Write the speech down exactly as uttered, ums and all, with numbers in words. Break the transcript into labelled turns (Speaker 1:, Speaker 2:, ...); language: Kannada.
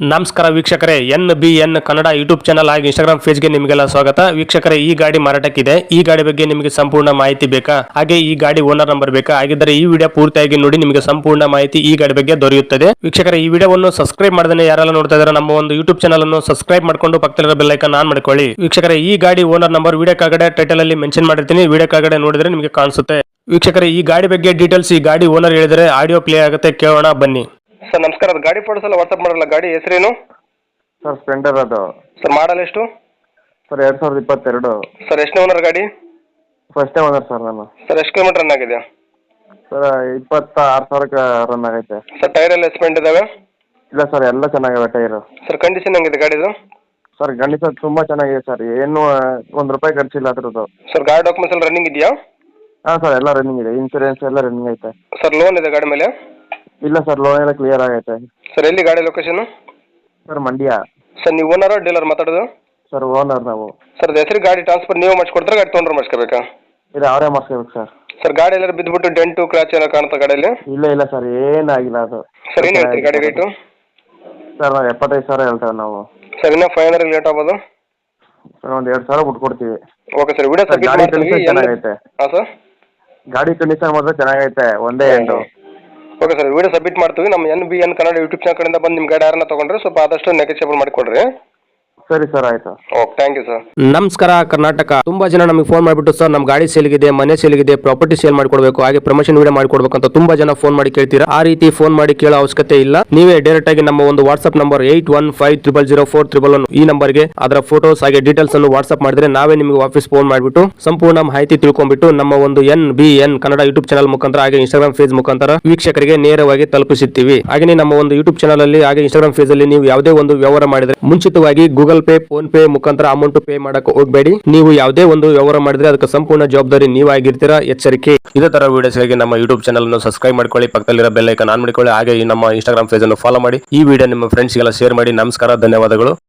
Speaker 1: ನಮಸ್ಕಾರ ವೀಕ್ಷಕರೇ, N B N Kannada YouTube channel ಹಾಗೆ ಇನ್ಸ್ಟಾಗ್ರಾಮ್ ಪೇಜ್ಗೆ ನಿಮಗೆಲ್ಲ ಸ್ವಾಗತ. ವೀಕ್ಷಕರೇ, ಈ ಗಾಡಿ ಮಾರಾಟಕ್ಕಿದೆ. ಈ ಗಾಡಿ ಬಗ್ಗೆ ನಿಮಗೆ ಸಂಪೂರ್ಣ ಮಾಹಿತಿ ಬೇಕಾ, ಹಾಗೆ ಈ ಗಾಡಿ ಓನರ್ ನಂಬರ್ ಬೇಕಾ? ಹಾಗಿದ್ದರೆ ಈ ವಿಡಿಯೋ ಪೂರ್ತಿಯಾಗಿ ನೋಡಿ, ನಿಮಗೆ ಸಂಪೂರ್ಣ ಮಾಹಿತಿ ಈ ಗಾಡಿ ಬಗ್ಗೆ ದೊರೆಯುತ್ತದೆ. ವೀಕ್ಷಕರೇ, ಈ ವಿಡಿಯೋವನ್ನು ಸಬ್ಸ್ಕ್ರೈಬ್ ಮಾಡದೇ ಯಾರೆಲ್ಲ ನೋಡ್ತಾ ಇದ್ದಾರೆ ನಮ್ಮ ಒಂದು ಯೂಟ್ಯೂಬ್ ಚಾನಲ್ ಅನ್ನು ಸಬ್ಸ್ಕ್ರೈಬ್ ಮಾಡ್ಕೊಂಡು ಪಕ್ಕದಲ್ಲಿರೋ ಬೆಲ್ ಐಕಾನ್ ಆನ್ ಮಾಡ್ಕೊಳ್ಳಿ. ವೀಕ್ಷಕರೇ, ಈ ಗಾಡಿ ಓನರ್ ನಂಬರ್ ವಿಡಿಯೋ ಕೆಳಗಡೆ ಟೈಟಲ್ ಅಲ್ಲಿ ಮೆನ್ಷನ್ ಮಾಡಿರ್ತೀನಿ, ವಿಡಿಯೋ ಕೆಳಗಡೆ ನೋಡಿದ್ರೆ ನಿಮಗೆ ಕಾಣಿಸುತ್ತೆ. ವೀಕ್ಷಕರೇ, ಈ ಗಾಡಿ ಬಗ್ಗೆ ಡೀಟೇಲ್ಸ್ ಈ ಗಾಡಿ ಓನರ್ ಹೇಳಿದರೆ ಆಡಿಯೋ ಪ್ಲೇ ಆಗುತ್ತೆ, ಕೇಳೋಣ ಬನ್ನಿ. ಸರ್ ನಮಸ್ಕಾರ, ಅದು ಗಾಡಿ ಫೋಟೋಸ್ ಎಲ್ಲ ವಾಟ್ಸ್ಆಪ್ ಮಾಡಲ್ಲ. ಗಾಡಿ ಹೆಸರೇನು
Speaker 2: ಸರ್? ಸ್ಪ್ಲೆಂಡರ್ ಅದು.
Speaker 1: ಸರ್ ಮಾಡಲ್ ಎಷ್ಟು?
Speaker 2: ಸರ್ ಎರಡು ಸಾವಿರದ ಇಪ್ಪತ್ತೆರಡು.
Speaker 1: ಸರ್ ಎಷ್ಟನೇ ಓನರ್ ಗಾಡಿ?
Speaker 2: ಫಸ್ಟೇ ಓನರ್ ಸರ್ ನಾನು.
Speaker 1: ಸರ್ ಎಷ್ಟು ಕಿಲೋಮೀಟರ್ ರನ್ ಆಗಿದೆ?
Speaker 2: ಸರ್ ಇಪ್ಪತ್ತಾರು ಸಾವಿರಕ್ಕೆ ರನ್ ಆಗೈತೆ.
Speaker 1: ಸರ್ ಟೈರ್ ಎಲ್ಲ ಎಸ್ಪೆಂಟ್ ಇದಾವೆ?
Speaker 2: ಇಲ್ಲ ಸರ್, ಎಲ್ಲ ಚೆನ್ನಾಗಿವೆ ಟೈರು.
Speaker 1: ಸರ್ ಕಂಡೀಷನ್ ಹೆಂಗಿದೆ ಗಾಡಿದು?
Speaker 2: ಸರ್ ಗಣಿತ ತುಂಬ ಚೆನ್ನಾಗಿದೆ ಸರ್, ಏನು ಒಂದು ರೂಪಾಯಿ ಖರ್ಚಿಲ್ಲ ಅದ್ರದ್ದು.
Speaker 1: ಸರ್ ಗಾಡಿ ಡಾಕ್ಯುಮೆಂಟ್ಸ್ ಎಲ್ಲ ರನ್ನಿಂಗ್ ಇದೆಯಾ?
Speaker 2: ಹಾಂ ಸರ್, ಎಲ್ಲ ರನ್ನಿಂಗ್ ಇದೆ, ಇನ್ಸೂರೆನ್ಸ್ ಎಲ್ಲ ರನ್ನಿಂಗ್ ಐತೆ.
Speaker 1: ಸರ್ ಲೋನ್ ಇದೆ ಗಾಡಿ ಮೇಲೆ?
Speaker 2: ಇಲ್ಲ ಸರ್, ಲೋನ್ ಎಲ್ಲ ಕ್ಲಿಯರ್ ಆಗೈತೆ.
Speaker 1: ಸರ್ ಎಲ್ಲಿ ಗಾಡಿ ಲೊಕೇಶನ್?
Speaker 2: ಸರ್ ಮಂಡ್ಯ.
Speaker 1: ಸರ್ ನೀವು ಓನರ್ ಡೀಲರ್ ಮಾತಾಡೋದು?
Speaker 2: ಸರ್ ಓನರ್ ನಾವು.
Speaker 1: ಸರ್ ಹೆಸರು ಗಾಡಿ ಟ್ರಾನ್ಸ್ಫರ್ ನೀವು ಮಾಡಿಸ್ಕೊಡ್ತಾರೆ, ಗಾಡಿ ತೊಗೊಂಡ್ರೆ ಮಾಡಿಸ್ಕೋಬೇಕಾ?
Speaker 2: ಇಲ್ಲ, ಅವರೇ ಮಾಡಿಸ್ಕೋಬೇಕು ಸರ್.
Speaker 1: ಸರ್ ಗಾಡಿ ಎಲ್ಲ ಬಿದ್ದುಬಿಟ್ಟು ಡೆಂಟು ಕ್ರಾಚ್ ಏನೋ ಕಾಣುತ್ತಾ ಗಾಡಿಯಲ್ಲಿ?
Speaker 2: ಇಲ್ಲ ಇಲ್ಲ ಸರ್, ಏನಾಗಿಲ್ಲ ಅದು.
Speaker 1: ಸರ್ ಏನು ಹೇಳ್ತೀರಿ ಗಾಡಿ ರೇಟು?
Speaker 2: ಸರ್ ನಾವು ಎಪ್ಪತ್ತೈದು ಸಾವಿರ ಹೇಳ್ತೇವೆ ನಾವು.
Speaker 1: ಸರ್ ಇನ್ನೂ ಫೈವ್ ಹಂಡ್ರೆಡ್ ಲೇಟ್ ಆಗ್ಬೋದು?
Speaker 2: ಸರ್ ಒಂದು ಎರಡು ಸಾವಿರ ಬಿಟ್ಕೊಡ್ತೀವಿ.
Speaker 1: ಓಕೆ ಸರ್, ವಿಡಿಯೋ ಸಬ್ಮಿಟ್
Speaker 2: ಗಾಡಿ
Speaker 1: ಮಾಡ್ತೀವಿ.
Speaker 2: ಕಂಡೀಷನ್ ಚೆನ್ನಾಗೈತೆ.
Speaker 1: ಹಾಂ ಸರ್,
Speaker 2: ಗಾಡಿ ಕಂಡೀಷನ್ ಮಾತ್ರ ಚೆನ್ನಾಗೈತೆ, ಒಂದೇ ಎಂಡು.
Speaker 1: ಓಕೆ ಸರ್, ವಿಡಿಯೋ ಸಬ್ಮಿಟ್ ಮಾಡ್ತೀವಿ. ನಮ್ಮ N B N Kannada YouTube channel ಕಡೆಯಿಂದ ಬಂದು ನಿಮ್ಮ ಗಾಡಿ ಯಾರನ್ನ ತೊಗೊಂಡ್ರೆ ಸ್ವಲ್ಪ ಆದಷ್ಟು ನೆಗೆಸಿಬಲ್ ಮಾಡಿಕೊಡ್ರಿ.
Speaker 2: ಸರಿ ಸರ್, ಆಯ್ತು.
Speaker 1: Okay, thank you sir.
Speaker 3: ನಮಸ್ಕಾರ ಕರ್ನಾಟಕ. ತುಂಬಾ ಜನ ನಮಗೆ ಫೋನ್ ಮಾಡಿಬಿಟ್ಟು ಸರ್ ನಮ್ಮ ಗಾಡಿ ಸೇಲ್ಗಿದೆ, ಮನೆ ಸೇಲ್ಗಿದೆ, ಪ್ರಾಪರ್ಟಿ ಸೇಲ್ ಮಾಡ್ಕೊಡ್ಬೇಕು, ಹಾಗೆ ಪ್ರಮೋಷನ್ ವಿಡಿಯೋ ಮಾಡ್ಕೊಡ್ಬೇಕು ಅಂತ ತುಂಬಾ ಜನ ಫೋನ್ ಮಾಡಿ ಕೇಳ್ತೀರಾ. ಆ ರೀತಿ ಫೋನ್ ಮಾಡಿ ಕೇಳೋ ಅವಶ್ಯಕತೆ ಇಲ್ಲ. ನೀವೇ ಡೈರೆಕ್ಟ್ ಆಗಿ ನಮ್ಮ ಒಂದು WhatsApp number eight one five triple zero four triple one ಈ ನಂಬರ್ಗೆ ಅದರ ಫೋಟೋಸ್ ಹಾಗೆ ಡೀಟೇಲ್ಸ್ ಅನ್ನು ವಾಟ್ಸ್ಆಪ್ ಮಾಡಿದ್ರೆ ನಾವೇ ನಿಮಗೆ ವಾಪಸ್ ಫೋನ್ ಮಾಡಿಬಿಟ್ಟು ಸಂಪೂರ್ಣ ಮಾಹಿತಿ ತಿಳ್ಕೊಂಡ್ಬಿಟ್ಟು ನಮ್ಮ ಒಂದು N B N Kannada YouTube channel ಮುಖಾಂತರ ಹಾಗೆ ಇನ್ಸ್ಟಾಗ್ರಾಮ್ ಪೇಜ್ ಮುಖಾಂತರ ವೀಕ್ಷಕರಿಗೆ ನೇರವಾಗಿ ತಲುಪಿಸುತ್ತೀವಿ. ಹಾಗೆ ನಮ್ಮ ಒಂದು ಯೂಟ್ಯೂಬ್ ಚಾನಲ್ ಅಲ್ಲಿ ಹಾಗೆ ಇನ್ಸ್ಟಾಗ್ರಾಮ್ ಪೇಜ್ ಅಲ್ಲಿ ನೀವು ಯಾವುದೇ ಒಂದು ವ್ಯವಹಾರ ಮಾಡಿದ್ರೆ ಮುಂಚಿತವಾಗಿ ಗೂಗಲ್ ಪೇ, ಫೋನ್ ಪೇ ಮುಖಾಂತರ ಅಮೌಂಟ್ ಪೇ ಮಾಡಕ್ಕೆ ಹೋಗಬೇಡಿ. ನೀವು ಯಾವುದೇ ಒಂದು ವ್ಯವಹಾರ ಮಾಡಿದ್ರೆ ಅದಕ್ಕೆ ಸಂಪೂರ್ಣ ಜವಾಬ್ದಾರಿ ನೀವಾಗಿರ್ತೀರಾ, ಎಚ್ಚರಿಕೆ.
Speaker 1: ಇದೇ ತರ ವಿಡಿಯೋಸ್ಗಾಗಿ ನಮ್ಮ ಯೂಟ್ಯೂಬ್ ಚಾನಲ್ ಅನ್ನು ಸಬ್ಸ್ಕ್ರೈಬ್ ಮಾಡ್ಕೊಳ್ಳಿ, ಪಕ್ಕದಲ್ಲಿರೋ ಬೆಲ್ ಐಕಾನ್ ಆನ್ ಮಾಡ್ಕೊಳ್ಳಿ, ಹಾಗೆ ನಮ್ಮ ಇನ್ಸ್ಟಾಗ್ರಾಮ್ ಪೇಜ್ ಅನ್ನು ಫಾಲೋ ಮಾಡಿ. ಈ ವಿಡಿಯೋ ನಿಮ್ಮ ಫ್ರೆಂಡ್ಸ್ಗೆಲ್ಲ ಶೇರ್ ಮಾಡಿ. ನಮಸ್ಕಾರ, ಧನ್ಯವಾದಗಳು.